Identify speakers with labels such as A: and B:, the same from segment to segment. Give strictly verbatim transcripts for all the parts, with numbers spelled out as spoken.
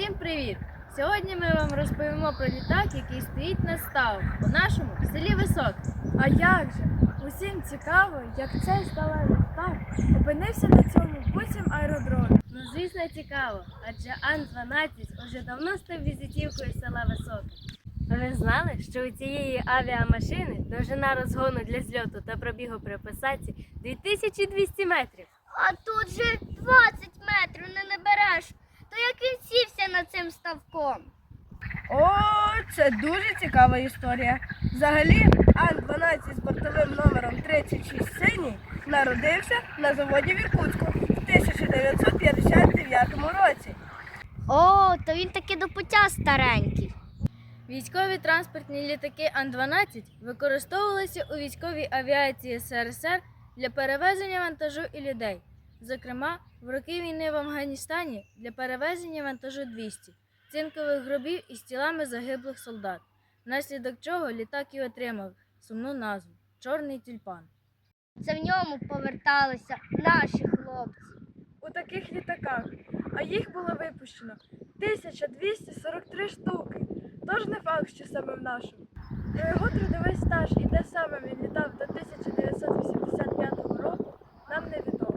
A: Всім привіт! Сьогодні ми вам розповімо про літак, який стоїть на ставу у нашому селі Високе.
B: А як же? Усім цікаво, як цей сталевий літак опинився на цьому буцім аеродромі.
A: Ну, звісно, цікаво, адже Ан дванадцять уже давно став візитівкою села Високе. Ви знали, що у цієї авіамашини довжина розгону для зльоту та пробігу при посадці дві тисячі двісті метрів?
C: А тут же двадцять метрів не набереш. То як він сівся над цим ставком?
B: О, це дуже цікава історія. Взагалі, Ан дванадцять з бортовим номером тридцять шість синій народився на заводі в Іркутську в тисяча дев'ятсот п'ятдесят дев'ятому році.
C: О, то він таки до пуття старенький.
A: Військові транспортні літаки Ан дванадцять використовувалися у військовій авіації ес ер ес ер для перевезення вантажу і людей. Зокрема, в роки війни в Афганістані для перевезення вантажу двісті цинкових гробів із тілами загиблих солдат, внаслідок чого літак і отримав сумну назву «Чорний тюльпан».
C: Це в ньому поверталися наші хлопці.
B: У таких літаках, а їх було випущено тисяча двісті сорок три штуки. Тож не факт, що саме в нашому. Про його трудовий стаж і де саме він літав до тисяча дев'ятсот вісімдесят п'ятого року, нам невідомо.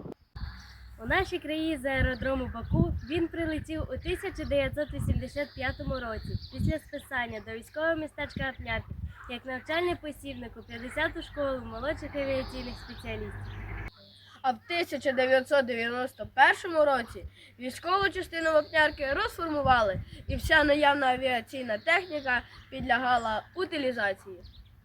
A: У нашій країні з аеродрому Баку він прилетів у тисяча дев'ятсот вісімдесят п'ятому році після списання до військового містечка Апнярки як навчальний посібник у п'ятдесяту школу молодших авіаційних спеціалістів.
B: А в тисяча дев'ятсот дев'яносто першому році військову частину Вапнярки розформували, і вся наявна авіаційна техніка підлягала утилізації.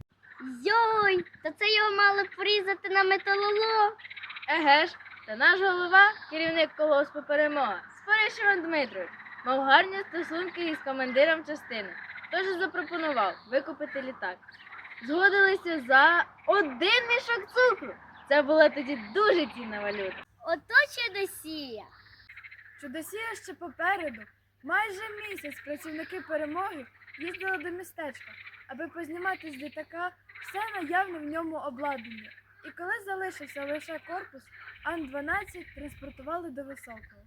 C: Йой, то це його мали порізати на металолом.
A: Еге ж, та наш голова, керівник колгоспу «Перемога», Спориш Іван Дмитрович, мав гарні стосунки із командиром частини, тож запропонував викупити літак. Згодилися за один мішок цукру. Це була тоді дуже цінна валюта.
C: Ото чудосія.
B: Чудосія ще попереду. Майже місяць працівники «Перемоги» їздили до містечка, аби познімати з літака все наявне в ньому обладнання. І коли залишився лише корпус, Ан дванадцять транспортували до Високого.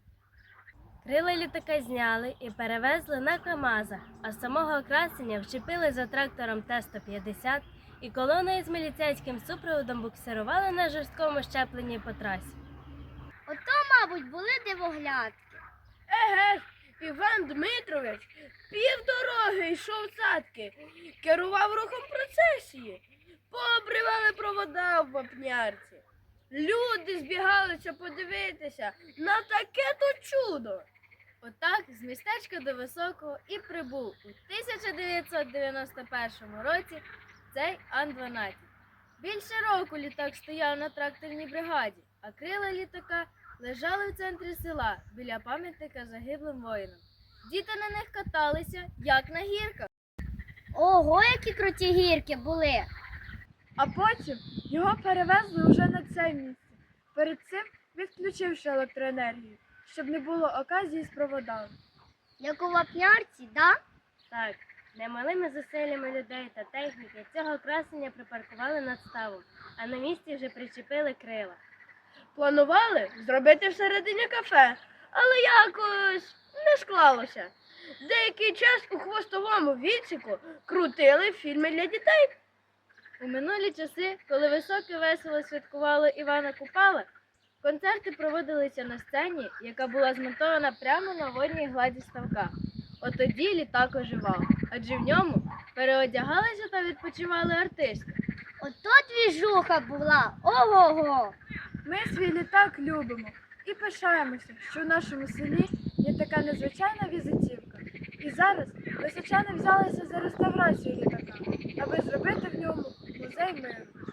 A: Крила літака зняли і перевезли на КАМАЗах, а самого красення вчепили за трактором Т сто п'ятдесят і колоною з міліцейським супроводом буксирували на жорсткому щепленні по трасі.
C: Ото, мабуть, були дивоглядки.
B: Еге ж, Іван Дмитрович півдороги йшов цатки, керував рухом процесії, пообривали провода в Вапнярці. Люди збігалися подивитися на таке-то чудо.
A: Отак з містечка до Високого і прибув у тисяча дев'ятсот дев'яносто першому році цей Ан дванадцять. Більше року літак стояв на тракторній бригаді, а крила літака лежали в центрі села біля пам'ятника загиблим воїнам. Діти на них каталися, як на гірках.
C: Ого, які круті гірки були.
B: А потім його перевезли уже на це місце, перед цим відключивши електроенергію, щоб не було оказії з проводами.
C: Як у Вапнярці, да?
A: Так, немалими зусиллями людей та техніки цього красення припаркували над ставом, а на місці вже причепили крила.
B: Планували зробити всередині кафе, але якось не склалося. Деякий час у хвостовому відсіку крутили фільми для дітей.
A: У минулі часи, коли Високе весело святкувало Івана Купала, концерти проводилися на сцені, яка була змонтована прямо на водній гладі ставка. От тоді літак оживав, адже в ньому переодягалися та відпочивали артисти.
C: Ото двіжуха була. Ого-го.
B: Ми свій літак любимо і пишаємося, що в нашому селі є така незвичайна візитівка. І зараз височани взялися за реставрацію літака, аби зробити в ньому музей миру.